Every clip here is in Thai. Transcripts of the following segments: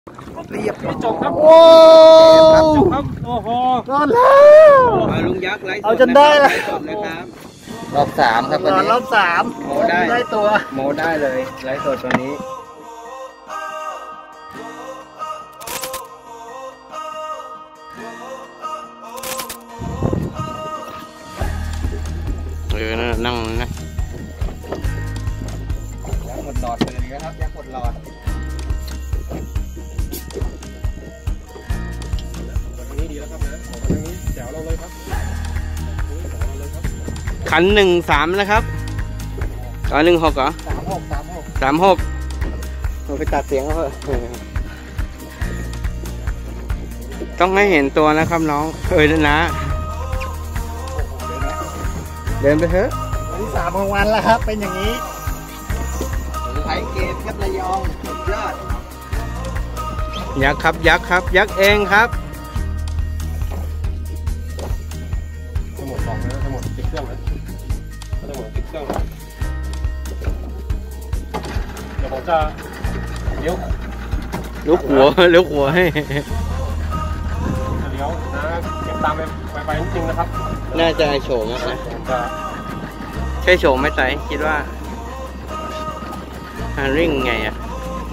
เรียบจบครับโอ้จบครับโอ้โหรอดแล้วลุงยักษ์ไลฟ์สดเอาจนได้แล้วนะครับรอบ3ครับวันนี้รอบ3 โมได้ตัวโมได้เลยไลฟ์สดตัวนี้นั่งนะยักษ์หมดหลอดเลยนะครับยักษ์หมดหลอดวันนี้ดีแล้วครับนะของวันนี้แจ๋วเราเลยครับขัน1-3นะครับ1-6เหรอ36เราไปตัดเสียงเขาเถอะต้องให้เห็นตัวนะครับน้องนะเดินไปเถอะวันที่3ของวันแล้วครับเป็นอย่างนี้ไทยเกมครับระยองสุดยอดยักษ์ครับยักษ์ครับยักษ์เองครับทั้งหมด2แล้วทั้งหมดติดเครื่องแล้วทั้งหมดติดเครื่องเดี๋ยวผมจะเลี้ยวหัวให้เลี้ยวนะเก็บตามไปจริงๆนะครับน่าจะโฉมนะใช่โฉมไหมไต่คิดว่าริ่งไงอ่ะ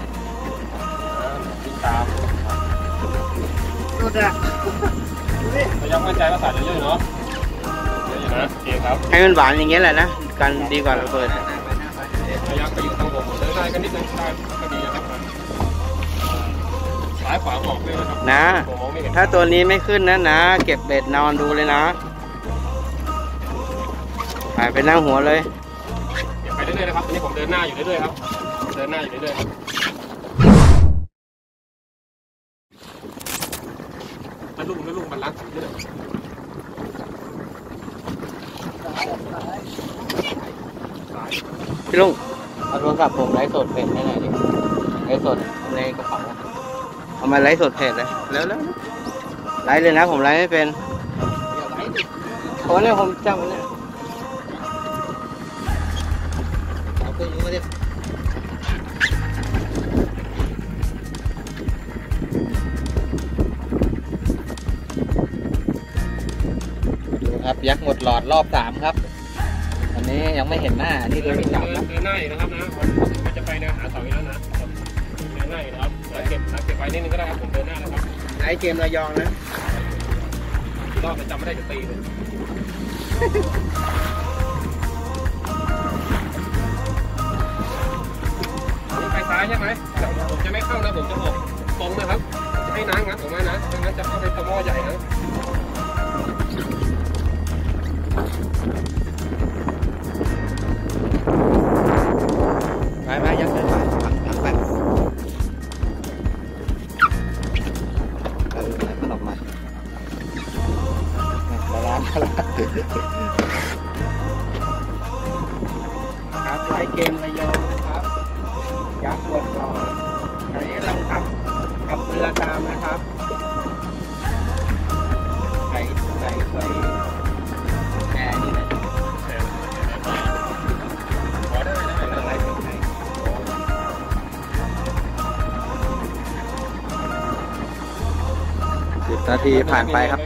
ติดตามดูจ้ะแต่ยังมั่นใจว่าใส่เยอะๆเนาะเยอะอยู่นะโอเคครับให้มันหวานอย่างเงี้ยแหละนะกันดีกว่าเราเปิดยักษ์ไปอยู่ทางผมเลยได้กันนิดนึงได้ก็ดีนะครับซ้ายขวาออกเลยนะครับนะถ้าตัวนี้ไม่ขึ้นนะเก็บเบ็ดนอนดูเลยนะไปนั่งหัวเลยเก็บไปเรื่อยๆนะครับตอนนี้ผมเดินหน้าอยู่เรื่อยๆครับเดินหน้าอยู่เรื่อยๆครับมันลุ่มมันล้างเรื่อยพี่ลุงเอาโทรศัพท์ผมไลฟ์สดเพจให้หน่อยดิไลฟ์สดในกระเป๋าเอามาไลฟ์สดเพจเลยแล้วไลฟ์เลยนะผมไลฟ์ไม่เป็นเพราะเนี่ยผมจำเนี่ยเอาเครื่องมือมาดิดูครับยักษ์หมดหลอดรอบ3ครับอันนี้ยังไม่เห็นหน้านี่เดินจับนะเดินหน้าอยู่นะครับนะมันจะไปแนวหาเสาอีกแล้วนะเดินหน้าอยู่นะครับเก็บไว้นิดนึงก็ได้ครับผมเดินหน้าแล้วครับไอเกมระยองนะรอบจะจำไม่ได้จะตีเลยนี่ไปซ้ายใช่ไหมผมจะไม่เข้านะผมจะออกตรงนะครับจะให้น้ำงัดออกมานะไม่งั้นจะเข้าไปตะหม้อใหญ่นะไปยักษ์เดินไปมันออกมาล้างครับไลฟ์เกมระยองนะครับยักษ์หมดหลอดอันนี้กำลังขับเรือตามนะครับใส่แอร์นี่นะ10 นาทีผ่านไปครับ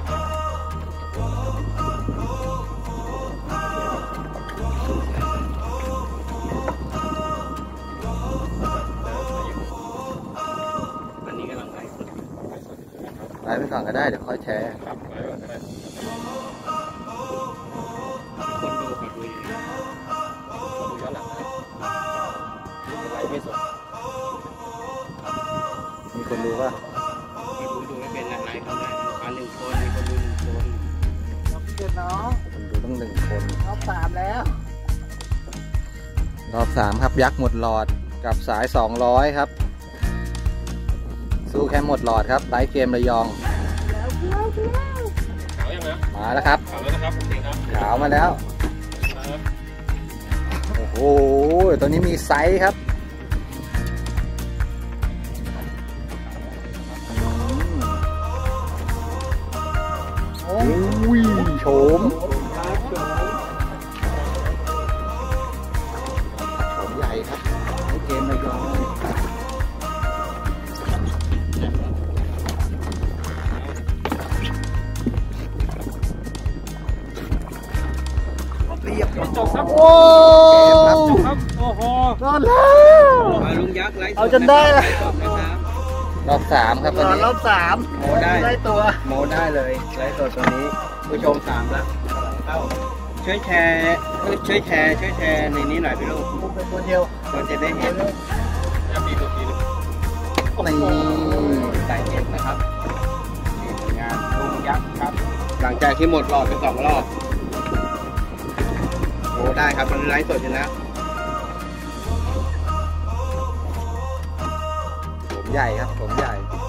อันนี้กำลังไลฟ์ไปก่อนก็ได้เดี๋ยวค่อยแชร์คนดูขอดูย้อนหลังนะไลฟ์ไม่สดมีคนดูป่ะดูไม่เป็นไลฟ์เขาได้1 คนมีคนดู1 คนรอบ7น้องคนดูต้อง1 คนรอบ3แล้วรอบ3ครับยักษ์หมดหลอดกับสาย200ครับสู้แค่หมดหลอดครับไลฟ์เกมระยองมาแล้วครับขาวมาแล้วโอ้โหตัวนี้มีไซส์ครับโอ้ยโฉมใหญ่ครับไลฟ์เกมระยองดแล้วมาลุงยักษ์ไลฟ์สดเอาจนได้ละไลฟ์สดนะครับรอบสามครับตอนนี้รอบสามโมได้ได้ตัวโมได้เลยไลฟ์สดตอนนี้ผู้ชมสามแล้วเข้าช่วยแชร์ในนี้หน่อยพี่ลูกผมเป็นตัวเดียวคนจะได้เห็นจะมีตัวทีนึงนี่ใส่เห็นนะครับนี่ผลงานลุงยักษ์ครับ หลังจากที่หมดรอบไป2 รอบโอ้ได้ครับตอนนี้ไลฟ์สดอยู่นะผมใหญ่ครับผมใหญ่